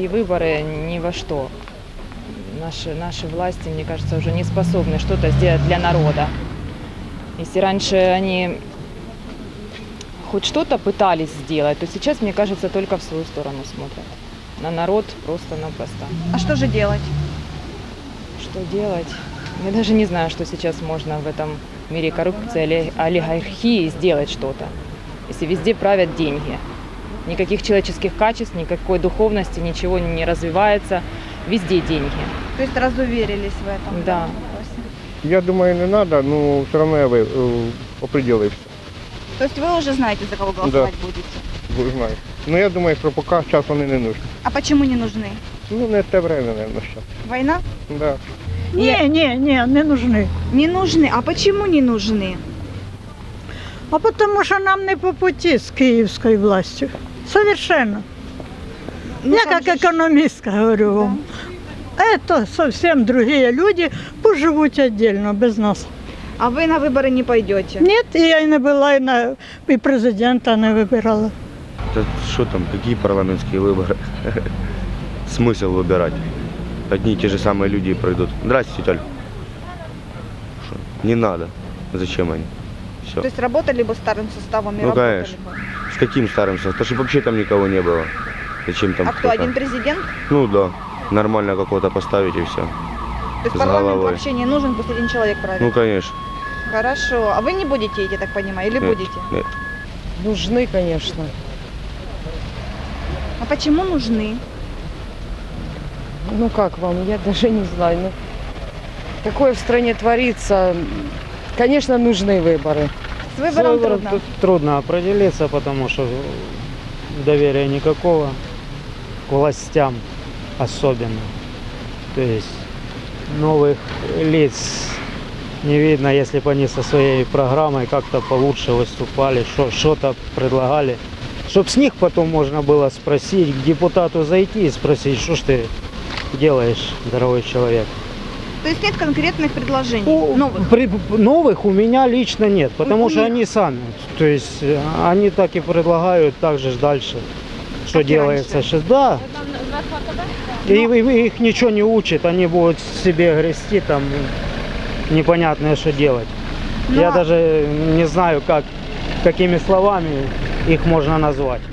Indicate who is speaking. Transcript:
Speaker 1: парламентские выборы ни во что. Наши власти, мне кажется, уже не способны что-то сделать для народа. Если раньше они хоть что-то пытались сделать, то сейчас, мне кажется, только в свою сторону смотрят. На народ просто-напросто.
Speaker 2: А что же делать?
Speaker 1: Что делать? Я даже не знаю, что сейчас можно в этом мире коррупции, олигархии сделать что-то. Если везде правят деньги. Никаких человеческих качеств, никакой духовности, ничего не развивается. Везде деньги.
Speaker 2: То есть разуверились в этом?
Speaker 1: Да.
Speaker 2: Вопросе?
Speaker 3: Я думаю, не надо, но все равно я определився.
Speaker 2: То есть вы уже знаете, за кого голосовать будете?
Speaker 3: Знаю. Ну я думаю, що поки час вони не нужні.
Speaker 2: А почему не нужны?
Speaker 3: Ну не те время, мабуть, зараз.
Speaker 2: Война?
Speaker 3: Да.
Speaker 4: Ні, не нужны.
Speaker 2: Не нужны. А почему не нужны?
Speaker 4: А потому що нам не по пути з київською властю. Совершенно.
Speaker 2: Ну,
Speaker 4: Я
Speaker 2: там
Speaker 4: как
Speaker 2: же ж-
Speaker 4: экономистка говорю вам. Это совсем другие люди, поживут отдельно, без нас.
Speaker 2: А вы на выборы не пойдете?
Speaker 4: Нет, и я и не была, и президента не выбирала.
Speaker 5: Да что там, какие парламентские выборы? Смысл выбирать? Одни и те же самые люди пройдут. Здравствуйте, тетя Оль. Шо? Не надо. Зачем они? Все.
Speaker 2: То есть работали бы старым составом и
Speaker 5: Ну,
Speaker 2: работали
Speaker 5: конечно.
Speaker 2: бы?
Speaker 5: С каким старым составом? Да чтобы вообще там никого не было. Зачем там
Speaker 2: А кто,
Speaker 5: кто-то?
Speaker 2: один президент?
Speaker 5: Ну да. Нормально какого-то поставить и все.
Speaker 2: То есть
Speaker 5: С
Speaker 2: парламент
Speaker 5: головой.
Speaker 2: вообще не нужен, пусть один человек правит?
Speaker 5: Ну конечно.
Speaker 2: Хорошо. А вы не будете, я так понимаю, или
Speaker 5: Нет,
Speaker 2: будете?
Speaker 5: нет.
Speaker 6: Нужны, конечно.
Speaker 2: А почему нужны?
Speaker 6: Ну как вам, я даже не знаю. Ну, такое в стране творится. Конечно, нужны выборы.
Speaker 2: С выбором трудно.
Speaker 7: Тут трудно определиться, потому что доверия никакого к властям особенно. То есть новых лиц не видно, если бы они со своей программой как-то получше выступали, что-то предлагали. Чтобы с них потом можно было спросить, к депутату зайти и спросить, что ж ты делаешь, дорогой человек.
Speaker 2: То есть нет конкретных предложений новых?
Speaker 7: Новых у меня лично нет, потому
Speaker 2: У
Speaker 7: что
Speaker 2: них.
Speaker 7: они сами. То есть они так и предлагают, так же дальше, что
Speaker 2: Как и
Speaker 7: делается
Speaker 2: раньше.
Speaker 7: сейчас. Да. И их ничего не учат, они будут себе грести там непонятное, что делать.
Speaker 2: Ну,
Speaker 7: Я
Speaker 2: а-
Speaker 7: даже не знаю, какими словами их можно назвать.